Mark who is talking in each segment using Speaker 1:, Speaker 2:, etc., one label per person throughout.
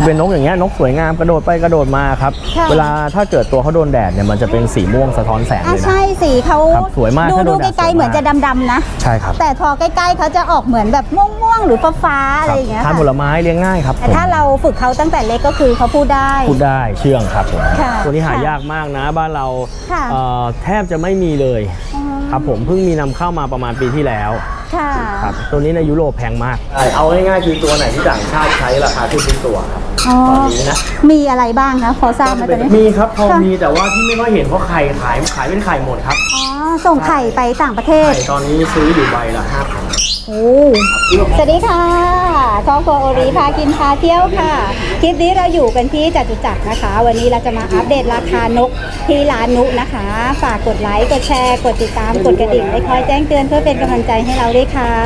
Speaker 1: เป็นนกอย่างเงี้ยนกสวยงามกระโดดไปกระโดดมาครับเวลาถ้าเกิดตัวเขาโดนแดดเนี่ยมันจะเป็นสีม่วงสะท้อนแสงเลยนะ
Speaker 2: ใช่สีเขา
Speaker 1: สวยมาก
Speaker 2: ดูไกลๆเหมือนจะดำๆนะ
Speaker 1: ใช่ครับ
Speaker 2: แต่พอใกล้ๆเขาจะออกเหมือนแบบม่วงๆหรือฟ้าๆอะไรอย่างเงี้ย
Speaker 1: ทานผลไม้เลี้ยงง่ายครับ
Speaker 2: แต่ถ้าเราฝึกเขาตั้งแต่เล็กก็คือเขาพูดได้
Speaker 1: เชื่องครับผมตัวนี้หายากมากนะบ้านเราแทบจะไม่มีเลยครับผมเพิ่งมีนำเข้ามาประมาณปีที่แล้วครับตัวนี้ในยุโรปแพงมากเอาง่ายๆคือตัวไหนที่ต่างชาติใช้ราคาขึ้นเป็นตัวครับตอนนี้นะ
Speaker 2: มีอะไรบ้างคะพอทราบไหมตอนนี้
Speaker 1: มีครับพอมีแต่ว่าที่ไม่ค่อยเห็นเพราะไข่ขายเป็นไข่หมดครับ
Speaker 2: ส่งไข่ไปต่างประเทศ
Speaker 1: ตอนนี้ซื้ออยู่ใบละ5,000
Speaker 2: สวัสดีค่ะครอบครัวโอริพากินพาเที่ยวค่ะคลิปนี้เราอยู่กันที่จตุจักรนะคะวันนี้เราจะมาอัปเดตราคานกที่ร้านนุนะคะฝากกดไลค์กดแชร์กดติดตามกดกระดิ่งไว้คอยแจ้งเตือนเพื่อเป็นกำลังใจให้เราด้วยค่ะ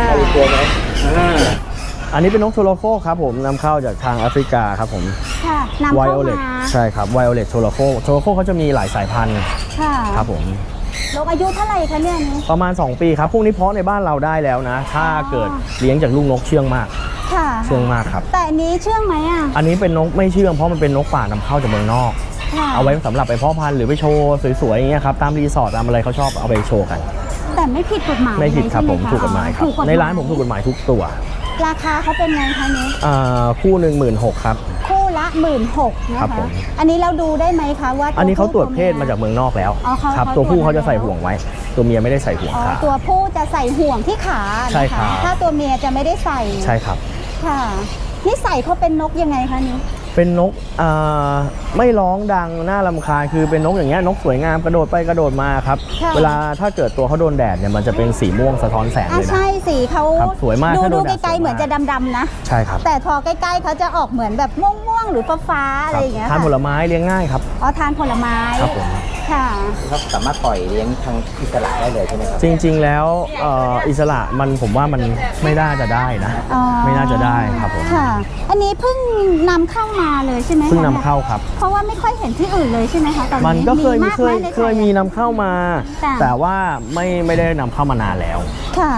Speaker 1: อันนี้เป็นนกโทโลโคครับผมนำเข้าจากทางแอฟริกาครับผม
Speaker 2: ค่ะนำเข้ามา
Speaker 1: ใช่ครับไวโอเลตโทโลโคเขาจะมีหลายสายพันธุ์ครับผม
Speaker 2: นกอายุเท่าไหร่คะเนี่ย
Speaker 1: ประมาณ2 ปีครับพวกนี้เพาะในบ้านเราได้แล้วนะถ้าเกิดเลี้ยงจากลูกนกเชื่องมากเชื่องมากครับ
Speaker 2: แต่อันนี้เชื่องไหม
Speaker 1: อันนี้เป็นนกไม่เชื่องเพราะมันเป็นนกป่านำเข้าจากเมืองนอกเอาไว้สำหรับไปเพาะพันธุ์หรือไปโชว์สวยๆอย่างเงี้ยครับตามรีสอร์ทตามอะไรเขาชอบเอาไปโชว์กัน
Speaker 2: แต่ไม่ผิดกฎหมาย
Speaker 1: ไม่ผิดครับผมถูกกฎหมายครับในร้านผมถูกกฎหมายทุกตัว
Speaker 2: ราคาเขาเป็นไงคะนี้
Speaker 1: คู่หนึ่ง16,000ครับ
Speaker 2: คู่ละ16,000นะคะอันนี้เราดูได้ไหมคะว่า
Speaker 1: อันนี้เขาตรวจเพศมาจากเมืองนอกแล้วครับตัวผู้เขาจะใส่ห่วงไว้ตัวเมียไม่ได้ใส่ห่วงขา
Speaker 2: ตัวผู้จะใส่ห่วงที่ขา
Speaker 1: ใช่ครับ
Speaker 2: ถ้าตัวเมียจะไม่ได้ใส่
Speaker 1: ใช่ครับ
Speaker 2: ค่ะนิสัยเขาเป็นนกยังไงคะนี้
Speaker 1: เป็นนกไม่ร้องดังน่ารำคาญคือเป็นนกอย่างเงี้ยนกสวยงามกระโดดไปกระโดดมาครับเวลาถ้าเกิดตัวเขาโดนแดดเนี่ยมันจะเป็นสีม่วงสะท้อนแสงเลยนะ
Speaker 2: ใช่สีเขา
Speaker 1: สวยมาก
Speaker 2: ดูไกลๆเหมือนจะดำๆนะ
Speaker 1: ใช่ครับ
Speaker 2: แต่พอใกล้ๆเขาจะออกเหมือนแบบม่วงๆหรือฟ้าๆอะไรอย่างเงี้ย
Speaker 1: ทานผลไม้เลี้ยงง่ายครับ
Speaker 2: ทานผลไม้
Speaker 1: ครับผม
Speaker 2: ค่ะ
Speaker 3: ครับสามารถปล่อยเลี้ยงทางอิสระได้เลยใช่ไหมครับ
Speaker 1: จริงๆแล้วอิสระผมว่ามันไม่น่าจะได้นะไม่น่าจะได้ครับผม
Speaker 2: ค่ะอันนี้เพิ่งนำเข้ามาเลยใช่ไหม
Speaker 1: เพิ่งนำเข้าครับ
Speaker 2: เพราะว่าไม่ค่อยเห็นที่อื่นเลยใช่ไหมคะตอนนี้
Speaker 1: มันก็เคยมีนำเข้ามาแต่ว่าไม่ได้นำเข้ามานานแล้ว
Speaker 2: ค่ะ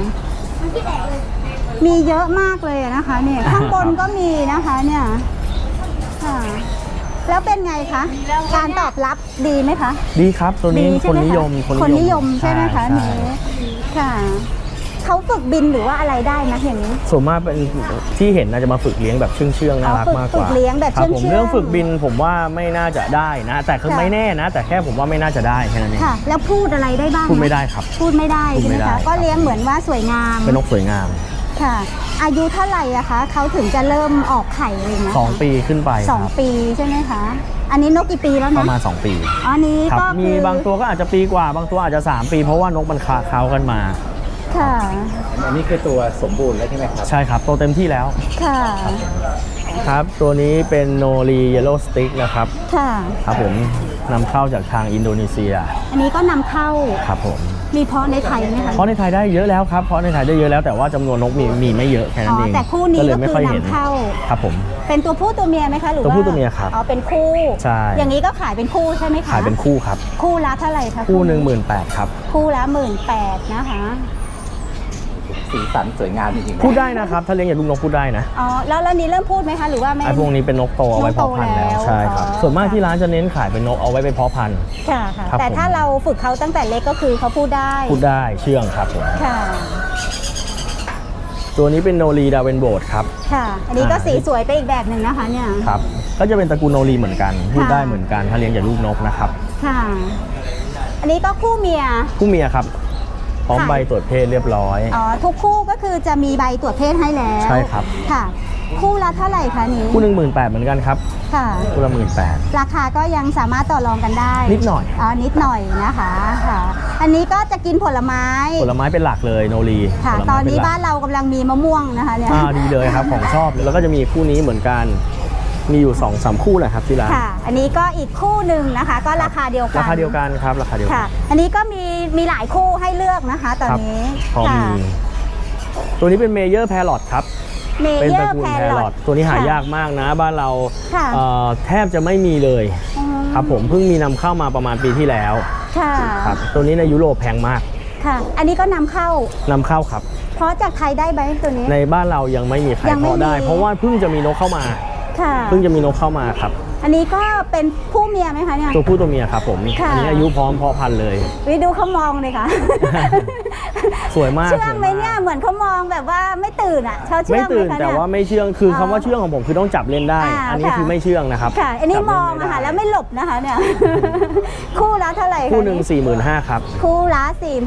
Speaker 2: มีเยอะมากเลยนะคะเนี่ยข้างบนก็มีนะคะเนี่ยค่ะแล้วเป็นไงคะการตอบรับดีไหมคะ
Speaker 1: ดีครับตัวนี้คนนิยม
Speaker 2: ใช่ไหมคะนี้ค่ะเขาฝึกบินหรือว่าอะไรได้นะเห็น
Speaker 1: ส่วนมากเป็นที่เห็นน่าจะมาฝึกเลี้ยงแบบเชื่องน่ารักมากกว่า
Speaker 2: ฝึกเลี้ยงแบบเชื่อง
Speaker 1: เรื่องฝึกบินผมว่าไม่น่าจะได้นะแต่คือไม่แน่นะแต่แค่ผมว่าไม่น่าจะได้แค่นั้นเอง
Speaker 2: ค่ะแล้วพูดอะไรได้บ้าง
Speaker 1: พูดไม่ได้ครับ
Speaker 2: พูดไม่ได้ใช่ไหมคะก็เลี้ยงเหมือนว่าสวยงาม
Speaker 1: เป็นนกสวยงาม
Speaker 2: ค่ะอายุเท่าไหร่อะคะเขาถึงจะเริ่มออกไข่อะไรนะ
Speaker 1: 2 ปีขึ้นไป
Speaker 2: 2 ปีใช่ไหมคะอันนี้นกกี่ปีแล้วนะ
Speaker 1: ประมาณ2 ปี
Speaker 2: อันนี้ก็
Speaker 1: มีบางตัวก็อาจจะปีกว่าบางตัวอาจจะ3 ปีเพราะว่านกมันค้ากันมา
Speaker 2: ค่ะ
Speaker 3: อันนี้คือตัวสมบูรณ์แล้วใช่ไหมครับ
Speaker 1: ใช่ครับโตเต็มที่แล้ว
Speaker 2: ค่ะ
Speaker 1: ครับตัวนี้เป็นโนรีเยลโล่สติ๊กนะครับ
Speaker 2: ค่ะ
Speaker 1: ครับผมนำเข้าจากทางอินโดนีเซีย
Speaker 2: อันนี้ก็นำเข้า
Speaker 1: ครับผม
Speaker 2: มีเพาะในไทยไหมคะ
Speaker 1: เพาะในไทยได้เยอะแล้วครับเพาะในไทยได้เยอะแล้วแต่ว่าจำนวนนกมีไม่เยอะแค่นั้นเอง
Speaker 2: แต่คู่นี้ก็คือนำเข้า
Speaker 1: ครับผม
Speaker 2: เป็นตัวผู้ตัวเมียไหมคะหรือว่า
Speaker 1: ตัวผู้ตัวเมียครับ
Speaker 2: เป็นคู่
Speaker 1: ใช่
Speaker 2: อย่างนี้ก็ขายเป็นคู่ใช่ไหมคะ
Speaker 1: ขายเป็นคู่ครับ
Speaker 2: คู่ละเท่าไหร่คะ
Speaker 1: คู่18,000ครับ
Speaker 2: คู่ละ18,000นะคะ
Speaker 3: สีสันสวยงามจริง
Speaker 1: ๆพูดได้นะครับถ้าเลี้ยงอย่างลูกนกพูดได้นะ
Speaker 2: แล้วนี้เริ่มพูดไหมคะหรือว่าไม่
Speaker 1: ไอ้พวกนี้เป็นนกโตเอาไว้เพาะพันธุ์แล้วใช่ครับส่วนมากที่ร้านจะเน้นขายเป็นนกเอาไว้ไปเพาะพันธุ์
Speaker 2: ค่ะแต่ถ้าเราฝึกเขาตั้งแต่เล็กก็คือเขาพูดได้
Speaker 1: เชื่องครับผม
Speaker 2: ค่ะ
Speaker 1: ตัวนี้เป็นโนรีดาเวนโบดครับ
Speaker 2: ค่ะอันนี้ก็สีสวยไปอีกแบบหนึ่งนะคะเนี่ย
Speaker 1: ครับก็จะเป็นตระกูลโนรีเหมือนกันพูดได้เหมือนกันถ้าเลี้ยงจากลูกนกนะครับ
Speaker 2: ค่ะอันนี้ก็คู่เมีย
Speaker 1: ครับพร้อมใบตรวจเพศเรียบร้อย
Speaker 2: ทุกคู่ก็คือจะมีใบตรวจเพศให้แล้ว
Speaker 1: ใช่ครับ
Speaker 2: ค่ะคู่ละเท่าไหร่คะนี้
Speaker 1: คู่18,000เหมือนกันครับ
Speaker 2: ค่ะ
Speaker 1: คู่ละ18,000
Speaker 2: ราคาก็ยังสามารถต่อรองกันได้
Speaker 1: นิดหน่อย
Speaker 2: นิดหน่อยนะคะค่ะอันนี้ก็จะกินผลไม้
Speaker 1: เป็นหลักเลยโนรี
Speaker 2: ค่ะตอนนี้บ้านเรากำลังมีมะม่วงนะคะเนี่ย
Speaker 1: ดีเลยครับของชอบแล้วก็จะมีคู่นี้เหมือนกันมีอยู่ 2-3 คู่แหละครับที่ร้าน
Speaker 2: ค่ะอันนี้ก็อีกคู่หนึ่งนะคะก็ราคาเดียวกัน
Speaker 1: ครับราคาเดียวกัน
Speaker 2: ค่ะอันนี้ก็มีหลายคู่ให้เลือกนะคะตอนนี้
Speaker 1: ค่ะตัวนี้เป็นเมเยอร์แพรอทครับ
Speaker 2: เป็นตระกูลแพรอท
Speaker 1: ตัวนี้หายากมากนะบ้านเราแทบจะไม่มีเลยครับผมเพิ่งมีนำเข้ามาประมาณปีที่แล้วครับตัวนี้ในยุโรปแพงมาก
Speaker 2: ค่ะอันนี้ก็นำเข้า
Speaker 1: ครับ
Speaker 2: เพราะจากไทยได้ไหมตัวนี้
Speaker 1: ในบ้านเรายังไม่มีใครเพาะได้เพราะว่าเพิ่งจะมีนกเข้ามา
Speaker 2: ค่ะ
Speaker 1: เพิ่งจะมีนกเข้ามาครับ
Speaker 2: อันนี้ก็เป็นผู้เมียไหมคะเนี่ย
Speaker 1: ตัวผู้ตัวเมียครับผม
Speaker 2: ค่ะ
Speaker 1: อันนี้อายุพร้อมเพาะพันธุ์เลย
Speaker 2: วิดูเขามองเลยค่ะ
Speaker 1: สวยมาก
Speaker 2: เชื่องไหมเนี่ยเหมือนเขามองแบบว่าไม่ตื่นอ่ะเขาเชื่
Speaker 1: ไม่
Speaker 2: องไหม
Speaker 1: ตื่น
Speaker 2: คะ
Speaker 1: แต่
Speaker 2: เนี่ย
Speaker 1: ว่าไม่เชื่องคือคำว่าเชื่องของผมคือต้องจับเล่นได้ อันนี้
Speaker 2: ค่ะ
Speaker 1: คือไม่เชื่องนะครับ
Speaker 2: ค่ะ อันนี้
Speaker 1: จับ
Speaker 2: ม
Speaker 1: เล่
Speaker 2: อง
Speaker 1: ไได้
Speaker 2: อะค่ะแล้วไม่หลบนะคะเนี่ย คู่ละเท่าไหร่คะ
Speaker 1: คู่หนึ่ง 45,000ครับ
Speaker 2: คู่ละ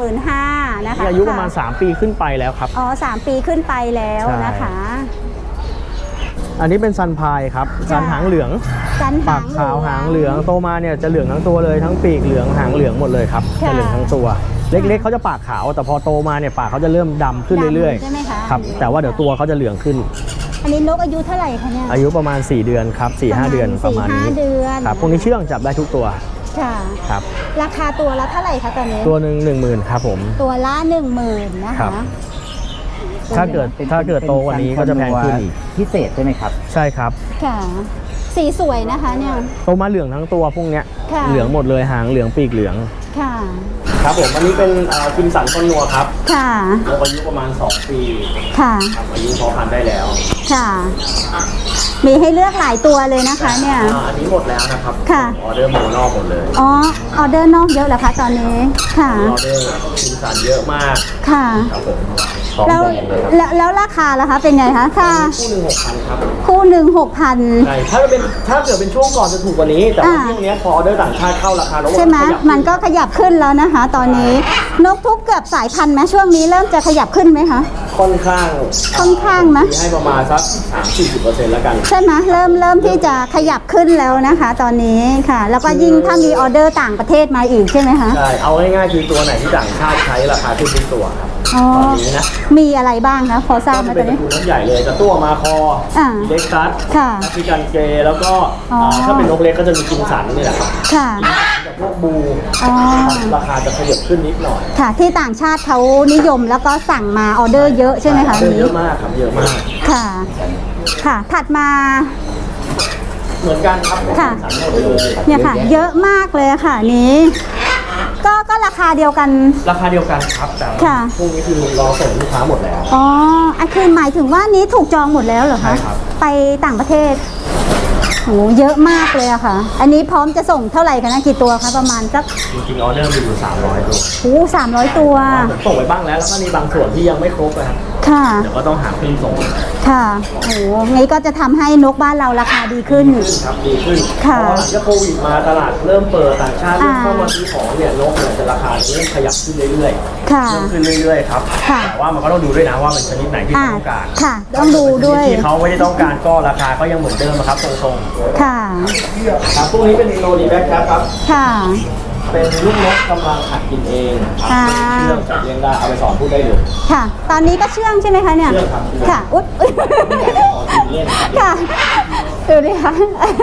Speaker 2: 45,000นะคะ
Speaker 1: นี่อายุประมาณ 3 ปีขึ้นไปแล้วครับ
Speaker 2: อ๋อ3 ปีขึ้นไปแล้วนะคะ
Speaker 1: อันนี้เป็นซันพายครับซันหางเหลือง
Speaker 2: จัน
Speaker 1: ปากขาวหางเหลืองโตมาเนี่ยจะเหลืองทั้งตัวเลยทั้งปีกเหลืองหางเหลืองหมดเลยครับจะเหลืองทั้งตัว เล็กๆเขาจะปากขาวแต่พอโตมาเนี่ยปากเขาจะเริ่มดำขึ้นเรื่อย
Speaker 2: ใช่ไหมคะ
Speaker 1: ๆครับแต่ว่าเดี๋ยวตัวเขาจะเหลืองขึ้น
Speaker 2: อันนี้นกอายุเท่าไหร่คะเนี่ย
Speaker 1: อายุประมาณ 4 เดือนครับ 4-5 เดือนประมาณนี้
Speaker 2: 4-5 เดือน
Speaker 1: ครับพวกนี้เชื่องจับได้ทุกตัว
Speaker 2: ค่ะ
Speaker 1: ครับ
Speaker 2: ราคาตัวละเท่าไหร่คะตอนนี้
Speaker 1: ตัวหนึ่ง10,000ครับผม
Speaker 2: ตัวละ10,000นะ
Speaker 1: ครั
Speaker 2: คะ
Speaker 1: บ ถ้าเกิดโตกว่านี้ก็จะแพงขึ้นอีก
Speaker 3: พิเศษใช่ไหมครับ
Speaker 1: ใช่ครับ
Speaker 2: ค่ะ สีสวยนะคะเนี่ย
Speaker 1: โตมาเหลืองทั้งตัวพวกเนี้ย
Speaker 2: ค่ะ
Speaker 1: เหลืองหมดเลยหางเหลืองปีกเหลือง
Speaker 2: ค่ะ
Speaker 1: ครับผมอันนี้เป็นคิมสันคอนนัวครับ
Speaker 2: ค่ะ
Speaker 1: อายุประมาณ2 ปี
Speaker 2: ค่ะ
Speaker 1: ครับอายุพอพันธุ์ได้แล้ว
Speaker 2: ค่ะ มีให้เลือกหลายตัวเลยนะคะเนี่ย
Speaker 1: อันนี้หมดแล้วนะครับ
Speaker 2: ค่ะ
Speaker 1: ออเดอร์หมูนอกหมดเลย
Speaker 2: อ๋อ ออเดอร์นอกเยอะเหรอคะตอนนี้ ค่ะ
Speaker 1: ออเดอร์คิมสันเยอะมาก
Speaker 2: ค่ะ
Speaker 1: ครับผม
Speaker 2: แล้วแล้วราคาล่ะคะเป็นไงคะค่ะ
Speaker 1: คู่หนึ่ง6,000ครับ
Speaker 2: คู่หนึ่ง6,000
Speaker 1: ใช่ถ้าเกิดเป็นช่วงก่อนจะถูกกว่านี้ แต่ว่าช่วงเนี้ยพอออเดอร์ต่างชาติเข้าราคาแล้ว
Speaker 2: ใช่ไหม
Speaker 1: ขยับ
Speaker 2: มันก็ขยับขึ้นแล้วนะคะ ตอนนี้ นกทุกเกือบสายพันธุ์ไหมช่วงนี้เริ่มจะขยับขึ้นไหมคะ
Speaker 1: ค่อนข้าง
Speaker 2: ค่อนข้างนะ
Speaker 1: ให้ประมาณสัก 30-40%แล้วกัน
Speaker 2: ใช่ไหมเริ่มที่จะขยับขึ้นแล้วนะคะ ตอนนี้ค่ะ แล้วก็ยิ่งถ้ามีออเดอร์ต่างประเทศมาอีกใช่ไหมคะ
Speaker 1: ใช่ เอาง่ายๆคือตัวไหนที่ต่างชาติใช้ราคาขึ้นทุกตัวครับ
Speaker 2: อ๋อ
Speaker 1: ตอนนี้นะ
Speaker 2: มีอะไรบ้างคะพอทราบไหม
Speaker 1: ก็
Speaker 2: ต
Speaker 1: เป็
Speaker 2: อน น
Speaker 1: ตระ
Speaker 2: นี้
Speaker 1: กูลนกใหญ่เลยจะตัวมาคอ
Speaker 2: อ่า
Speaker 1: เล็กซัส
Speaker 2: ค่ะ
Speaker 1: แอฟริกันเกย์แล้วก็
Speaker 2: อ๋ออ่
Speaker 1: ถ้าเป็นนกเล็กก็จะมีกิมสันนี่แหละครับ
Speaker 2: ค่ะ
Speaker 1: กับพวกบู
Speaker 2: อ๋อ
Speaker 1: ราคาจะขยับขึ้นนิดหน่อย
Speaker 2: ค่ะ ที่ต่างชาติเขานิยมแล้วก็สั่งมาออเดอร์เยอะใช่ไหมคะ
Speaker 1: เย
Speaker 2: นี้
Speaker 1: อะมากครับเยอะมาก
Speaker 2: ค่ะ ค่ะ ถัดมา
Speaker 1: เหมือนกันครับ
Speaker 2: ค่ะ
Speaker 1: สันหมดเลย
Speaker 2: เนี่ยค่ะ เยอะมากเลยค่ะนี้ ก็ราคาเดียวกัน
Speaker 1: ราคาเดียวกันครับแต่
Speaker 2: ค่ะ
Speaker 1: พวกนี้คือรอส่งลูกค้าหมดแล้ว
Speaker 2: อ๋ออันคือหมายถึงว่านี้ถูกจองหมดแล้วเหรอคะ
Speaker 1: ใช่ครับ
Speaker 2: ไปต่างประเทศโหเยอะมากเลยอะค่ะ อันนี้พร้อมจะส่งเท่าไหร่คะนะกี่ตัวคะประมาณสัก
Speaker 1: จริงๆออเดอร์มีอยู่300ตัว
Speaker 2: โอ้300 ตัว
Speaker 1: ผมส่งไปบ้างแล้วแล้วก็มีบางส่วนที่ยังไม่ครบนะครับ
Speaker 2: ค่ะ
Speaker 1: เดี๋ยวก็ต้องหาเครื่องส่ง
Speaker 2: ค่ะโอ้งี้ก็จะทำให้นกบ้านเราราคาดีขึ้น
Speaker 1: ครับดีขึ้นเพ
Speaker 2: ค่ะ
Speaker 1: ราะว่าหลังจากโควิดมาตลาดเริ่มเปิดต่างชาติเริ่มเข้ามาซื้อของเนี่ยนกเนี่ยจะราคาเริ่มขยับขึ้นเรื่อยๆ
Speaker 2: ค่ะ
Speaker 1: เพิ่มขึ้นเรื่อยๆครับ
Speaker 2: ค่ะ
Speaker 1: แต่ว่ามันก็ต้องดูด้วยนะว่าเป็นชนิดไหนที่เขาต้องการ
Speaker 2: ค่ะ ต้องดูด้วย
Speaker 1: ที่เขาไม่ได้ต้องการก็ราคาก็ยังเหมือนเดิมนะครับทรง
Speaker 2: ค่ะ
Speaker 1: ๆครับพวกนี้เป็นโนดีแบ็คครับ
Speaker 2: ค่ะ
Speaker 1: เป็นลูกนกกำลังหัดกินเองครับ
Speaker 2: อ่า
Speaker 1: เชื่องจับเลี้ยงได้เอาไปสอนพูดได้เลย
Speaker 2: ค่ะ ตอนนี้ก็เชื่องใช่ไหมคะเนี่ย
Speaker 1: เชื่องครับเชื่อง
Speaker 2: ค่ะ อุ๊ย
Speaker 1: ขอกินเล่น
Speaker 2: ค่ะ ดูดิคะ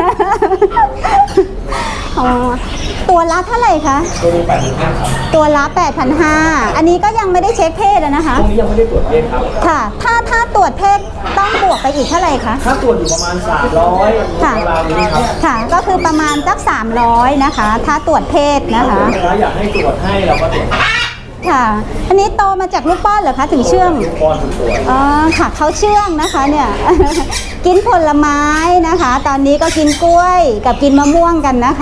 Speaker 2: อ๋อตัวละเท่าไหร่คะ
Speaker 1: ตัวนี้85ครับ
Speaker 2: ตัวละ 8,500 อันนี้ก็ยังไม่ได้เช็คเพศอะนะคะ
Speaker 1: พวกนี้ยังไม่ได้ตรวจเพศครับ
Speaker 2: ค่ะ ถ้าตรวจเพศต้องบวกไปอีกเท่าไหร่คะ
Speaker 1: ค่าตรวจอยู่ประมาณ300
Speaker 2: ค่ะ
Speaker 1: ราวๆนี้ครับ
Speaker 2: ค่ะ ก็คือประมาณสัก300นะคะ ถ้าตรวจเพศนะคะ
Speaker 1: ถ้าอยากให้ตรวจให้เราก็ตรวจให้
Speaker 2: ค่ะ อันนี้โตมาจากลูกป้อนเหรอคะถึงเชื่อง
Speaker 1: ลูกป้อนถูกตรวจ
Speaker 2: อ๋อ ค่ะเขาเชื่องนะคะเนี่ย กินผลไม้นะคะ ตอนนี้ก็กินกล้วยกับกินมะม่วงกันนะคะ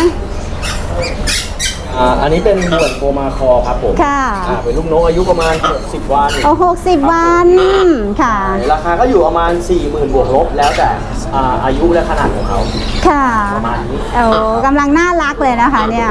Speaker 1: อันนี้เป็นบ่วนโกมาคอครับผม
Speaker 2: ค่ะ
Speaker 1: เป็นลูกนกอายุประมาณ60 วัน
Speaker 2: โอ้60 วันค่ะ
Speaker 1: ราคาก็อยู่ประมาณ 40,000 บวกลบแล้วแต่อายุและขนาดของเขา
Speaker 2: ค่ะ
Speaker 1: ประมาณนี้
Speaker 2: โอ้กำลังน่ารักเลยนะคะเนี่ย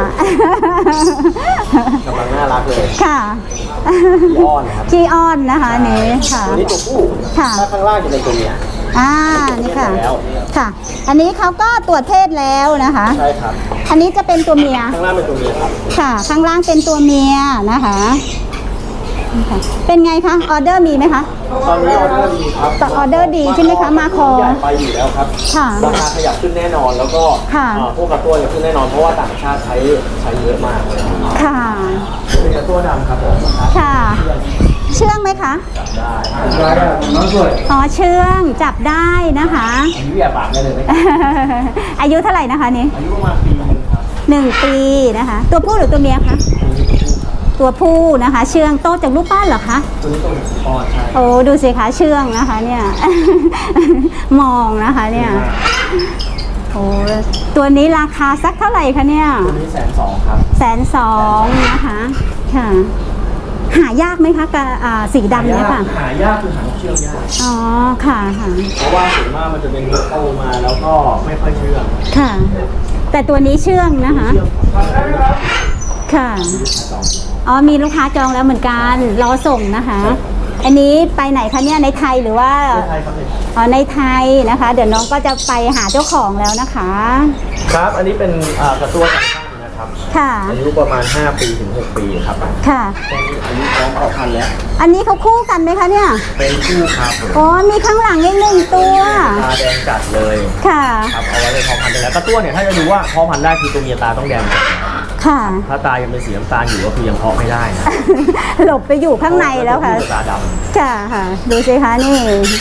Speaker 1: กำลังน่ารักเลย
Speaker 2: ค่ะ
Speaker 1: ขี้อ้อนนะครับ
Speaker 2: ขี้อ้อนนะคะอันนี้ค่ะ
Speaker 1: ตัวนี้ตัวผู้
Speaker 2: ค่ะ
Speaker 1: ถ้าข้างล่างจะเป็นตัวเมีย
Speaker 2: นี่ค่ะ
Speaker 1: แล้ว
Speaker 2: ค่ะ อันนี้เขาก็ตรวจเพศแล้วนะคะ
Speaker 1: ใช่ครับ
Speaker 2: อันนี้จะเป็นตัวเมีย
Speaker 1: ข้างล่างเป็นตัวเมียครับ
Speaker 2: ค่ะ ข้างล่างเป็นตัวเมียนะคะนี่ค่ะ เป็นไงคะ ออเดอร์มีไหมคะ
Speaker 1: ตอนนี้ออเดอร์ดีครับ
Speaker 2: ต่อออเดอร์ดีใช่ไหมคะมาคอ
Speaker 1: ใหญ่ไปอยู่แล้วครับ
Speaker 2: ค่ะ
Speaker 1: ราคาขยับขึ้นแน่นอนแล้วก็
Speaker 2: ค่ะ
Speaker 1: พวกกระตัวจะขึ้นแน่นอนเพราะว่าต่างชาติใช้เยอะมากเลย
Speaker 2: ค่ะ
Speaker 1: เป็นกระตัวดำครับผม
Speaker 2: ค่ะ เชื่องไหมคะ
Speaker 1: ได้น้องสวย
Speaker 2: อ๋อ เชื่อง จับได้นะคะ
Speaker 1: อายุอย่าปากได้เลยไหม
Speaker 2: อายุเท่าไหร่นะคะนี่
Speaker 1: อายุประมาณปีนึงครับ
Speaker 2: 1 ปีนะคะ ตัวผู้หรือตัวเมียคะตัวผู้นะคะ เชื่องโตจากลูกป้านเหรอคะ
Speaker 1: ตัวนี้ตัวอ่อนใช่
Speaker 2: โอ้ดูสิคะเชื่องนะคะเนี่ย มองนะคะเนี่ยโอ้ตัวนี้ราคาสักเท่าไหร่คะเนี่ย
Speaker 1: ตัวนี้120,000ครับ
Speaker 2: 120,000นะคะค่ะหายากไหมคะกับสีดำเนี่ยค่ะ
Speaker 1: หายากคือหางเชือกยาก
Speaker 2: อ๋อค่ะค่ะ
Speaker 1: เพราะว่าส่วนมากมันจะเป็นนกโตมาแล้วก็ไม่ค่อยเชื่อง
Speaker 2: ค่ะ แต่ตัวนี้เชื่องนะคะ
Speaker 1: เชื่อง
Speaker 2: ค่ะอ๋อมีลูกค้าจองแล้วเหมือนกันรอส่งนะคะ อันนี้ไปไหนคะเนี่ยในไทยหรือว่า
Speaker 1: ใช่ครับ
Speaker 2: อ๋อในไทยนะคะ เดี๋ยวน้องก็จะไปหาเจ้าของแล้วนะคะ
Speaker 1: ครับอันนี้เป็นกระตัวต่างชาตินะครับ
Speaker 2: ค่ะ
Speaker 1: อายุประมาณ5ปีถึง6ปีครับ
Speaker 2: ค่ะ
Speaker 1: ตอนนี้อายุพร้อมออกพันธุ์แล้ว
Speaker 2: อันนี้เขาคู่กันไหมคะเนี่ย
Speaker 1: เป็นคู่ครับผม
Speaker 2: อ๋อมีข้างหลังอีกหนึ่งตัว
Speaker 1: ตาแดงจัดเลย
Speaker 2: ค่ะ
Speaker 1: ครับเอาไว้เป็นพอพันธุ์ได้แล้วกระตัวเนี่ยถ้าจะดูว่าพอพันธุ์ได้คือตัวเมียตาต้องแดงจัด
Speaker 2: ค่ะ
Speaker 1: ถ้าตายังเป็นสีน้ำตาลอยู่ก็คือยังเพาะไม่ได้นะ
Speaker 2: หลบไปอยู่ข้างในแล้วค่ะ
Speaker 1: ตาด
Speaker 2: ค่ะค่ะดูสิคะนี่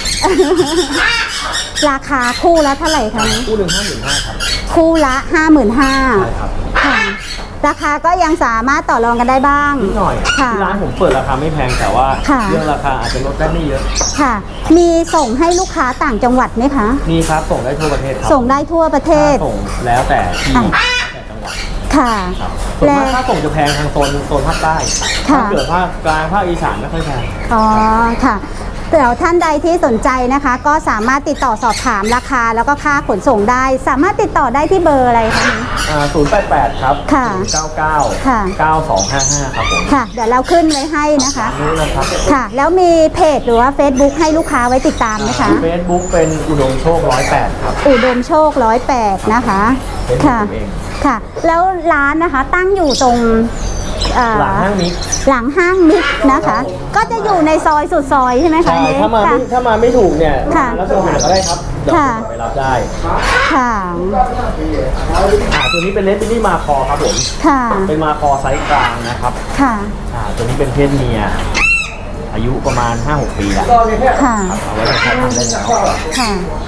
Speaker 2: ราคาคู่ละเท่าไหร่คะ
Speaker 1: ำคู่หนึ่ง55,000ครับ
Speaker 2: คู่ละ
Speaker 1: ใช่
Speaker 2: 55,000
Speaker 1: ครับ
Speaker 2: ค่ะ ราคาก็ยังสามารถต่อรองกันได้บ้าง
Speaker 1: นิดหน่อย
Speaker 2: ค่ะ
Speaker 1: ที่ร้านผมเปิดราคาไม่แพงแต่ว่า
Speaker 2: ค่ะ
Speaker 1: เรื่องราคาอาจจะลดได้ไม่เยอะ
Speaker 2: ค่ะ มีส่งให้ลูกค้าต่างจังหวัดไหมคะ
Speaker 1: มีครับส่งได้ทั่วประเทศครับ
Speaker 2: ส่งได้ทั่วประเทศ
Speaker 1: ค่าส่งแล้วแต่ที่
Speaker 2: อ่ะ
Speaker 1: แล้วแต่จังหวัด
Speaker 2: ค่ะ
Speaker 1: ครับส่วน
Speaker 2: และ
Speaker 1: มากค่าส่งจะแพงทางโซนภาคใต้
Speaker 2: ค่ะ
Speaker 1: ถ้าเกิดภาคกลางภาคอีสานไม่ค่อยแพง
Speaker 2: อ๋อค่ะเดี๋ยวท่านใดที่สนใจนะคะ ก็สามารถติดต่อสอบถามราคาแล้วก็ค่าขนส่งได้ สามารถติดต่อได้ที่เบอร์อะไรคะนี้
Speaker 1: 088 ครับ
Speaker 2: ค่ะ
Speaker 1: 099
Speaker 2: ค่ะ
Speaker 1: 9255 ครับผม
Speaker 2: ค่ะ เดี๋ยวเราขึ้นไว้ให้นะคะ
Speaker 1: นี่นะครับ
Speaker 2: ค่ะ แล้วมีเพจหรือว่า Facebook ให้ลูกค้าไว้ติดตามไหมคะ
Speaker 1: เฟซบุ๊กเป็นอุดมโชค108 ครับ
Speaker 2: อุดมโชค108นะคะ
Speaker 1: เป็น
Speaker 2: ค่ะ
Speaker 1: ผมเอง
Speaker 2: ค่ะ แล้วร้านนะคะตั้งอยู่ตรง
Speaker 1: หลังห้างมิก
Speaker 2: หลังห้างมิกนะคะ ก็จะอยู่ในซอยสุดซอยใช่ไหมคะ
Speaker 1: ใช่
Speaker 2: เน
Speaker 1: ถ้ามาไม่ถูกเนี่ย
Speaker 2: ค่ะ
Speaker 1: แล้วโทรหาก็ได้ครับเดี๋ยว
Speaker 2: ค่ะ
Speaker 1: ไปรับได้
Speaker 2: ค่ะ
Speaker 1: ตัวนี้เป็นเลสบิลลี่มาคอครับผม
Speaker 2: ค่ะ
Speaker 1: เป็นมาคอไซส์กลางนะครับ
Speaker 2: ค่ะ
Speaker 1: ตัวนี้เป็นเพศเมีย อายุประมาณ 5-6 ปีแล้ว
Speaker 2: ค่ะ
Speaker 1: เอาไว้ใช้ทำได้แล้ว
Speaker 2: ค่ะ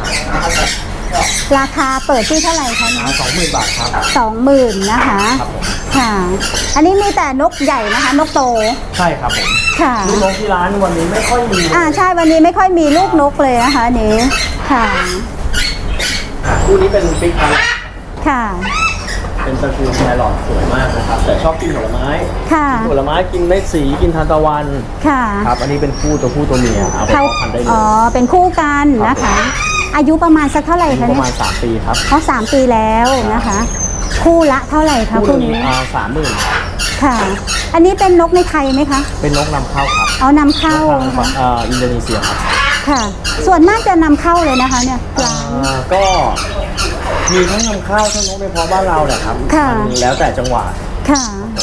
Speaker 2: ราคาเปิดที่เท่าไหร่คะเนี่ย
Speaker 1: 20,000 บาทครับ
Speaker 2: 20,000นะคะ
Speaker 1: ครับผม
Speaker 2: ค่ะ อันนี้มีแต่นกใหญ่นะคะ นกโต
Speaker 1: ใช่ครับผม
Speaker 2: ค่ะ
Speaker 1: ลูกนกที่ร้านวันนี้ไม่ค่อยมี
Speaker 2: ใช่วันนี้ไม่ค่อยมีลูกนกเลยนะคะอันนี้ ค่ะ
Speaker 1: คู่นี้เป็นฟิกครับ
Speaker 2: ค่ะ
Speaker 1: เป็นตระกูลแครอทสวยมากนะครับ แต่ชอบกินผลไม้
Speaker 2: ค่ะ
Speaker 1: กินผลไม้กินเม็ดสีกินทานตะวัน
Speaker 2: ค่ะ
Speaker 1: ครับ อันนี้เป็นคู่ตัวผู้ตัวเมียเอาไป
Speaker 2: เขา
Speaker 1: เพาะพันธุ์ได้เลย
Speaker 2: อ๋อ เป็นคู่กันนะคะ อายุประมาณสักเท่าไหร่
Speaker 1: อายุ
Speaker 2: คะ
Speaker 1: ประ
Speaker 2: เนี่ย
Speaker 1: มาณ3 ปีครับ
Speaker 2: เขา3 ปีแล้วนะคะ คู่ละเท่าไหร่คะ
Speaker 1: คู่
Speaker 2: คู่
Speaker 1: นี้
Speaker 2: นี้
Speaker 1: 30,000
Speaker 2: ค่ะ อันนี้เป็นนกในไทยไหมคะ
Speaker 1: เป็นนกนำเข้าครับ
Speaker 2: เอานำเข้า
Speaker 1: ทางอินโดนีเซียครับ
Speaker 2: ค่ะ ส่วนมากจะนำเข้าเลยนะคะเนี่ยร้าน
Speaker 1: ก็มีทั้งนำเข้าทั้งนกในเพาะบ้านเราเนี่ยครับ
Speaker 2: ค่ะ
Speaker 1: มันแล้วแต่จังหวะ
Speaker 2: ค่ะ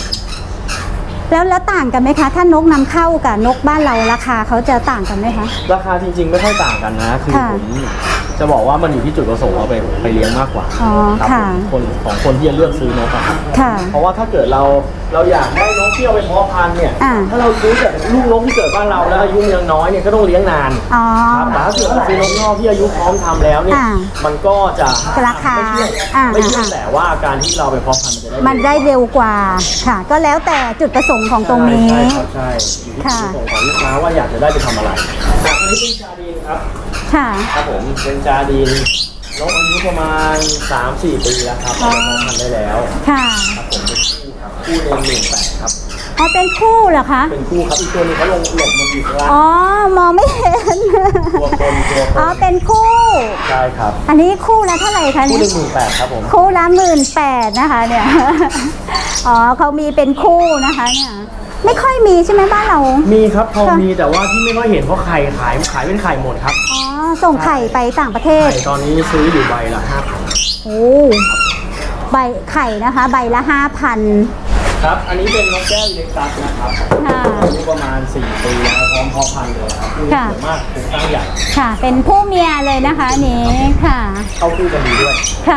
Speaker 2: แล้วต่างกันไหมคะ ถ้านกนำเข้ากับนกบ้านเราราคาเขาจะต่างกันไหมคะ
Speaker 1: ราคาจริงๆไม่ค่อยต่างกันนะ คือ
Speaker 2: ค่ะ
Speaker 1: ผมจะบอกว่ามันอยู่ที่จุดประสงค์เอาไปเลี้ยงมากกว่า
Speaker 2: อ๋อ
Speaker 1: ครับ
Speaker 2: ค่ะ
Speaker 1: ผมของคนที่จะเลือกซื้อนกอะครับ
Speaker 2: ค่ะ
Speaker 1: เพราะว่าถ้าเกิดเราอยากได้นกที่เอาไปเพาะพันธุ์เนี่ย
Speaker 2: อ่า
Speaker 1: ถ้าเราซื้อแต่ลูกนกที่เกิดบ้านเราแล้วอายุยังน้อยเนี่ยก็ต้องเลี้ยงนาน
Speaker 2: อ๋อ
Speaker 1: ครับแต่ถ้าเกิดเราซื้อนกนอกที่อายุพร้อมทำแล้วเนี่ย
Speaker 2: อ่า
Speaker 1: มันก็จะ
Speaker 2: ราคา
Speaker 1: ไม่เชื่อ
Speaker 2: อ่า
Speaker 1: แต่ว่าการที่เราไปเพาะพันธุ์มันจะได้
Speaker 2: มันได้เร็วกว่า ค่ะ ก็แล้วแต่จุดประสงค์ของตรงนี้
Speaker 1: ใช่ครับใช่อยู่ที่จุดประสงค์ของลูกค้าว่าอยากจะได้ไปทำอะไรอันนี้เป็นจาดีนครับ
Speaker 2: ค่ะ
Speaker 1: ครับผมเป็นจาดีนนกอายุประมาณ 3-4 ปีแล้วครับ
Speaker 2: อ๋อ
Speaker 1: เราเพาะพันธุ์ได้แล้ว
Speaker 2: ค่ะ
Speaker 1: ครับผมเป็นคู่ครับคู่เดือน18ครับ
Speaker 2: อ๋อ เป็นคู่เหรอคะ
Speaker 1: เป็นคู่ครับอีกตัวหนึงเขาหลบมาอยู่ข้างล่าง
Speaker 2: อ๋อ มองไม่เห็น
Speaker 1: ตัวคนตัวค
Speaker 2: อ๋อ
Speaker 1: น
Speaker 2: เป็นคู่
Speaker 1: ใช่ครับ
Speaker 2: อันนี้คู่ละเท่าไหร่คะ
Speaker 1: คู่
Speaker 2: เนี่ย
Speaker 1: หนึ่ง18,000ครับผม
Speaker 2: คู่ละ18,000นะคะเนี่ย อ๋อเขามีเป็นคู่นะคะเนี่ย ไม่ค่อยมีใช่ไหมบ้านเรา
Speaker 1: มีครับพอ
Speaker 2: ค่ะ
Speaker 1: มีแต่ว่าที่ไม่ค่อยเห็นเพราะไข่ขายเป็นไข่หมดครับ
Speaker 2: อ๋อ ส่งไข่ไปต่างประเทศ
Speaker 1: ไข่ตอนนี้ซื้ออยู่ใบละ5,000
Speaker 2: โอ้ใบไข่นะคะ ใบละ5,000
Speaker 1: ครับ อันนี้เป็นนกแก้วอิเล็กตัสนะครับ
Speaker 2: ค่ะ
Speaker 1: อายุประมาณ4 ปีแล้วพร้อมเพาะพันธุ์เลยครับคือ
Speaker 2: ค่ะ
Speaker 1: สวยมากเป็นตั้งใหญ่
Speaker 2: ค่ะ เป็นผู้เมียเลยนะคะอันนี้ค่ะ
Speaker 1: เข้าคู่กันดีด้วย
Speaker 2: ค่ะ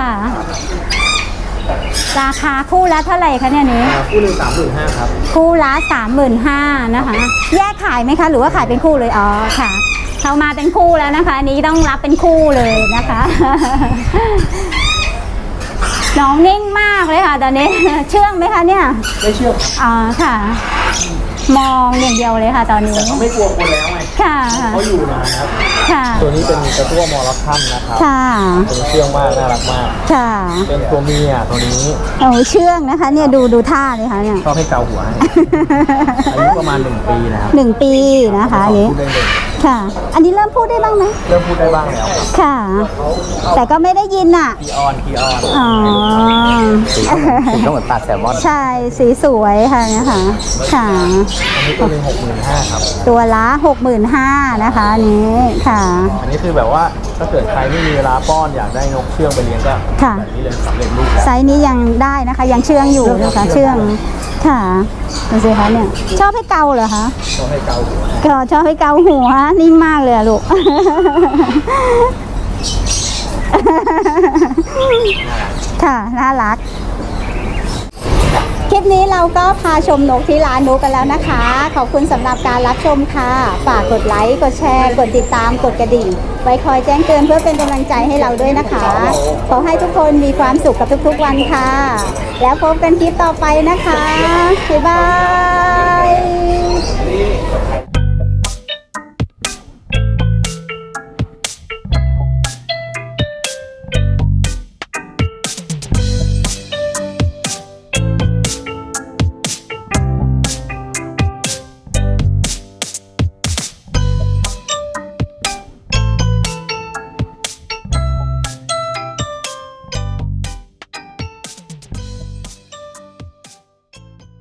Speaker 2: ราคาคู่ละเท่าไหร่คะเนี่ยนี้
Speaker 1: คู่หนึ่ง35,000ครับ
Speaker 2: คู่ละ35,000นะคะ แยกขายไหมคะ หรือว่าขายเป็นคู่เลย อ๋อ ค่ะ เขามาเป็นคู่แล้วนะคะ อันนี้ต้องรับเป็นคู่เลยนะคะ น้องนิ่งมากเลยค่ะตอนนี้ เชื่องไหมคะเนี่ย
Speaker 1: ไม่เชื่อครับ
Speaker 2: อ๋อ ค่ะมองอย่างเดียวเลยค่ะตอนนี้
Speaker 1: เขาไม่กลัวคนแล้วไง
Speaker 2: ค่ะ
Speaker 1: เขาอยู่นานครับ
Speaker 2: ค่ะ
Speaker 1: ตัวนี้เป็นกระตั้วมอลคัมนะครับ
Speaker 2: ค่ะ
Speaker 1: เป็นเชื่องมากน่ารักมาก
Speaker 2: ค่ะ
Speaker 1: เป็นตัวเมียตัวนี้
Speaker 2: โอ้เชื่องนะคะเนี่ยดูท่าเลยค่ะเนี่ย
Speaker 1: ชอบให้เกาหัวให้ อายุประมาณ 1 ปีนะครับ
Speaker 2: 1 ปีนะคะอันนี้
Speaker 1: พูดได้เลย
Speaker 2: ค่ะ อันนี้เริ่มพูดได้บ้างไหม
Speaker 1: เริ่มพูดได้บ้างแล้วครับ
Speaker 2: ค่ะ แต่ก็ไม่ได้ยินอ่ะ
Speaker 1: คีออนคีออน
Speaker 2: อ๋อ
Speaker 3: สีก็เหมือนปลาแซลมอน
Speaker 2: ใช่สีสวยค่ะเนี่ยค่ะค่ะ
Speaker 1: อันนี้ตัวหนึง65,000ครับ
Speaker 2: ตัวละ65,000นะคะอันนี้ค่ะ
Speaker 1: อันนี้คือแบบว่าถ้าเกิดใครไม่มีเวลาป้อนอยากได้นกเชื่องไปเลี้ยงก็
Speaker 2: ค่ะ
Speaker 1: แบบนี้เลยสำเร็จรูปแล้ว
Speaker 2: ไซส์นี้ยังได้นะคะ ยังเชื่องอยู่นะคะเชื่องค่ะดูสิคะเนี่ยชอบให้เกาเหรอคะ
Speaker 1: ต้องให้เกาหัวให้
Speaker 2: ก็ชอบให้เกาหัวนิ่งมากเลยอะลูก ค่ะน่ารัก คลิปนี้เราก็พาชมนกที่ร้านนกกันแล้วนะคะ ขอบคุณสำหรับการรับชมค่ะ ฝากกดไลค์ กดแชร์ กดติดตาม กดกระดิ่ง ไว้คอยแจ้งเตือนเพื่อเป็นกำลังใจให้เราด้วยนะคะ ขอให้ทุกคนมีความสุขกับทุกๆวันค่ะ แล้วพบกันคลิปต่อไปนะคะ บ๊ายบาย